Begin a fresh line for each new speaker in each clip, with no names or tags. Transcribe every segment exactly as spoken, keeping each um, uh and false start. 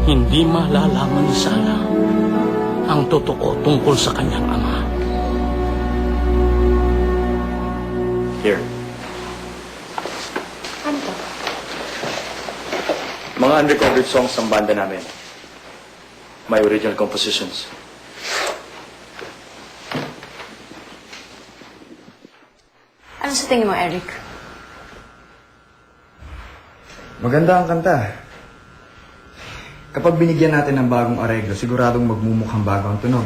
hindi malalaman ni Sarah ang totoo tungkol sa kanyang ama.
Here.
Ano to?
Mga unrecorded songs ng banda namin. My original compositions.
Ano sa tingin mo, Eric?
Maganda ang kanta. Kapag binigyan natin ng bagong areglo, siguradong magmumukhang bago ang tunog.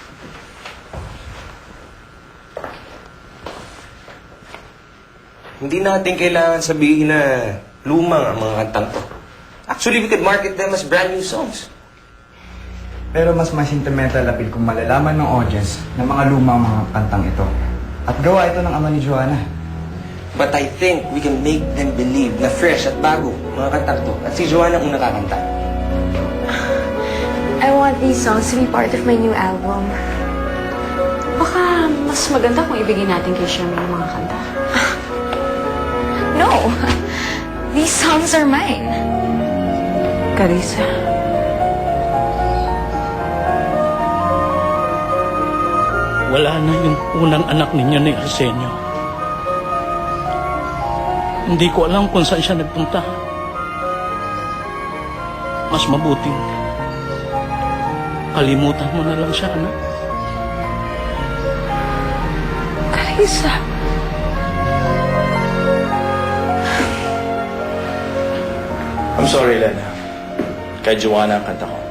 Hindi natin kailangan sabihin na lumang ang mga kantang to. Actually, we could market them as brand new songs.
Pero mas may sentimental appeal kung malalaman ng audience ng mga lumang mga kantang ito. At gawa ito ng ama ni Joanna.
But I think we can make them believe na fresh at bago mga kantang to. At si Joanna ang unang kakanta.
I want these songs to be part of my new album. Baka mas maganda kung ibigay natin kay Sherman ang mga kanta. No! These songs are mine. Carissa.
Wala na yung unang anak ninyo ni Arsenio. Hindi ko alam kung saan siya nagpunta. Mas mabuting kalimutan mo na lang siya, anak.
Carissa.
I'm sorry, Lena. Kay Joanna ang kanta ko.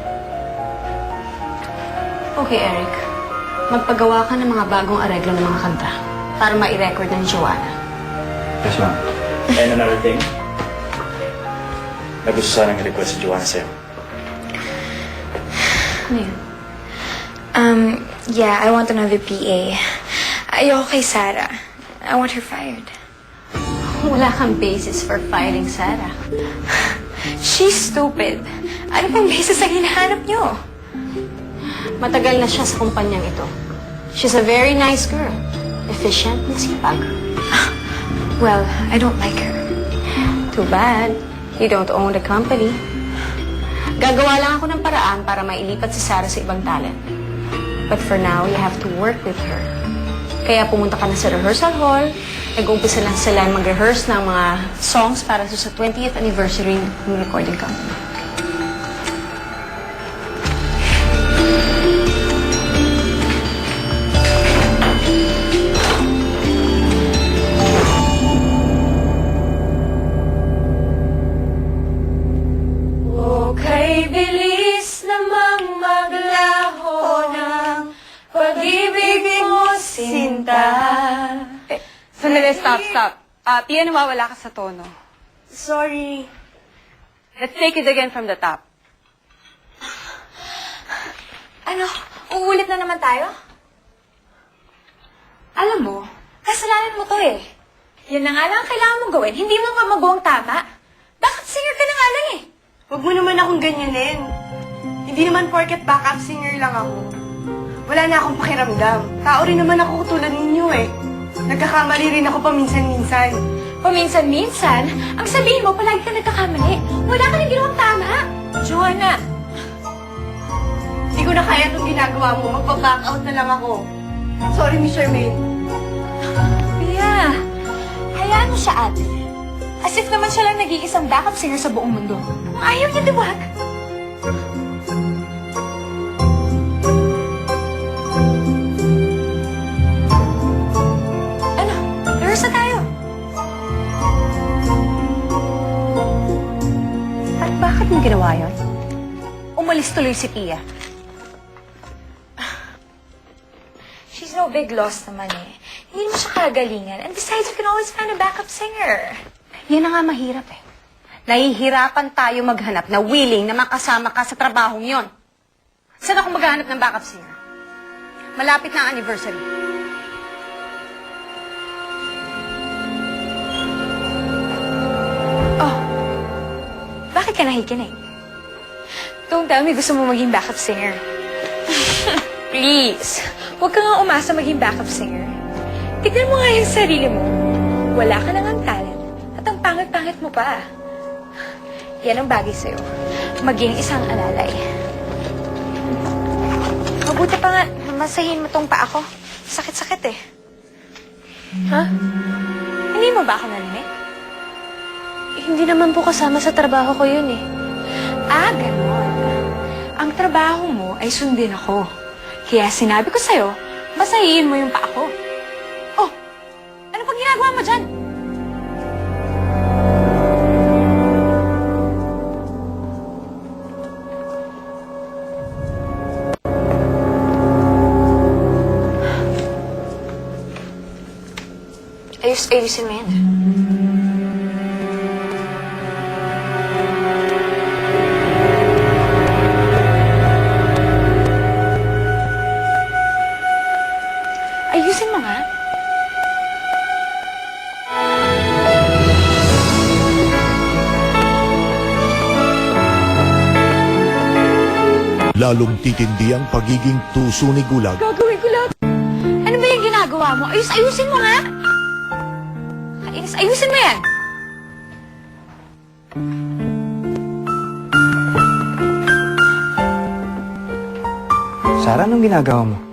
Okay, Eric. Magpagawa ka ng mga bagong areglo ng mga kanta para ma-record ng Joanna.
Yes, ma'am.
And another thing, na gusto sanang i-request si Joanna sa'yo.
Ano yun?
Um, yeah, I want another P A. Ayoko kay Sarah. I want her fired.
Wala kang basis for firing Sarah.
She's stupid. Ano pang basis ang hinahanap niyo?
Matagal na siya sa kumpanyang ito. She's a very nice girl. Efficient and sipag.
Well, I don't like her.
Too bad. You don't own the company. Gagawa lang ako ng paraan para mailipat si Sarah sa ibang talent. But for now, you have to work with her. Kaya pumunta ka na sa rehearsal hall. Nag-umpisa lang sila mag-rehearse ng mga songs para sa twentieth anniversary ng recording company.
Okay, bilis namang maglaho ng pag-ibig mo, sinta.
Eh, sandali, stop, stop. Ah, Pia, nawawala ka sa tono.
Sorry.
Let's take it again from the top.
Ano? Uulit na naman tayo? Alam mo, kasalanan mo to eh. Yan na nga lang ang kailangan mong gawin. Hindi mo pa magawa tama. Bakit singer ka na nga lang eh?
Huwag mo naman akong ganyanin. Hindi naman porket backup singer lang ako. Wala na akong pakiramdam. Tao rin naman ako tulad ninyo eh. Nagkakamali rin ako paminsan-minsan.
Paminsan-minsan, ang sabihin mo, palagi ka nagkakamali. Wala ka nang ginawang tama. Joanna,
Hindi ko na kaya itong ginagawa mo. Magpa-back out na lang ako. Sorry, Miss Charmaine.
Pia, hayaan mo siya ate. As if naman siya lang nag-iisang backup singer sa buong mundo. Kung ayaw niya, diwag. Ano? Rehearse na tayo.
At bakit mo ginawa yun? Umalis tuloy si Pia.
She's no big loss naman eh. Hindi mo siya kagalingan. And besides, you can always find a backup singer.
Yan na nga mahirap eh. Nahihirapan tayo maghanap na willing na makasama ka sa trabahong yon. Saan ako maghanap ng backup singer? Malapit na ang anniversary.
Oh, bakit ka nakikinig? Don't tell me gusto mo maging backup singer. Please, huwag ka nga umasa maging backup singer. Tignan mo nga yung sarili mo. Wala ka nang ang talent at ang pangit-pangit mo pa. Yan ang bagay sa'yo. maging isang alalay. Mabuti pa nga, masahin mo tong pa ako. Sakit-sakit eh. Ha? Hindi mo ba ako narinig?
Eh, hindi naman po kasama sa trabaho ko yun eh.
Ah, ganon. Ang trabaho mo ay sundin ako. Kaya sinabi ko sa'yo, basahin mo yung pa ako. Oh, ano pang ginagawa mo dyan?
Ayus, ayusin mo yan.
Ayusin mo nga.
Lalong titindi ang pagiging tuso ni Gulag
Gagawin ko lahat. Ano ba yung ginagawa mo? Ayus, ayusin mo nga. Kainis, ayusin mo yan.
Sarah, anong ginagawa mo?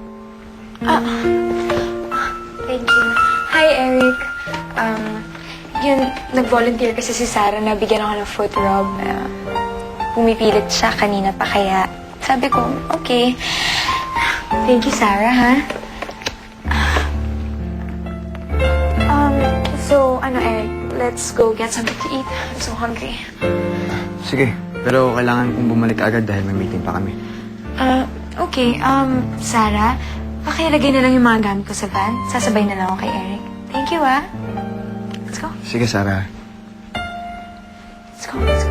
Thank you. Hi, Eric. Um, yun, nag-volunteer kasi si Sarah na bigyan ako ng foot rub. Uh, pumipilit siya kanina pa kaya sabi ko, okay. Thank you, Sarah, ha? Um, so, ano, Eric, let's go get something to eat. I'm so hungry.
Sige, pero kailangan kong bumalik agad dahil may meeting pa kami.
Uh, okay. Um, Sarah, pakilagay na lang yung mga gamit ko sa van. Sasabay na lang ako kay Eric. Thank you, ah. Let's go.
Sige, Sarah.
Let's go, let's go.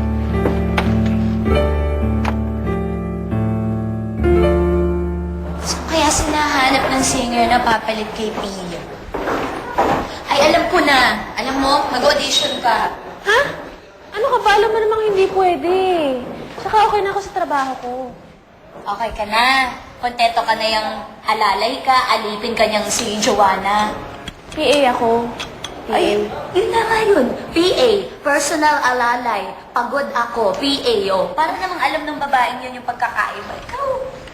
So, kaya sinahanap ng singer na papalit kay Pia. Ay, alam ko na. Alam mo, mag-audition ka.
Ha? Ano ka ba? Alam mo namang hindi pwede. Saka okay na ako sa trabaho ko.
Okay ka na. Kontento ka na yung alalay ka, alipin ka niyang si Joanna.
P A ako. P A.
Ay, yun na nga yun. P A, personal alalay. Pagod ako, P A, oh. Para namang alam ng babaeng yun yung pagkakaiba. Ikaw.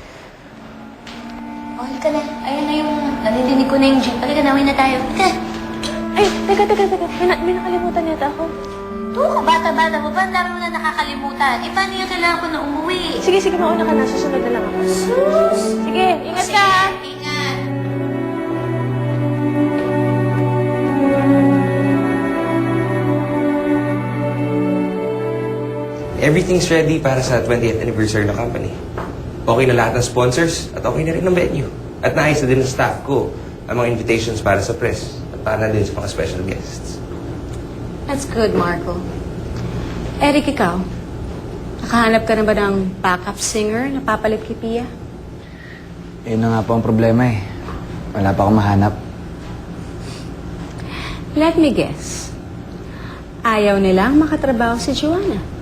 Okay ka na. Ayun na yung, narinig ko na yung jeep. Halika na, uwi na tayo. Halika.
Ay, teka, teka, teka. May, na- may nakalimutan yata ako.
Oo, bata-bata mo ba? Ang dami mo na nakakalimutan. Eh, paano yung kailangan ko na umuwi?
Sige, sige, mauna ka na. Susunod na lang ako.
Sus!
Sige, ingat
Sige,
ka. ah.
ingat.
Everything's ready para sa twentieth anniversary ng company. Okay na lahat ng sponsors at okay na rin ng venue. At naayos na din ng staff ko ang mga invitations para sa press at para din sa mga special guests.
That's good, Marco. Eric, ikaw? Nakahanap ka na ba ng backup singer na papalit kay Pia?
Yun na nga po ang problema eh. Wala pa akong mahanap.
Let me guess. Ayaw nilang makatrabaho si Joanna.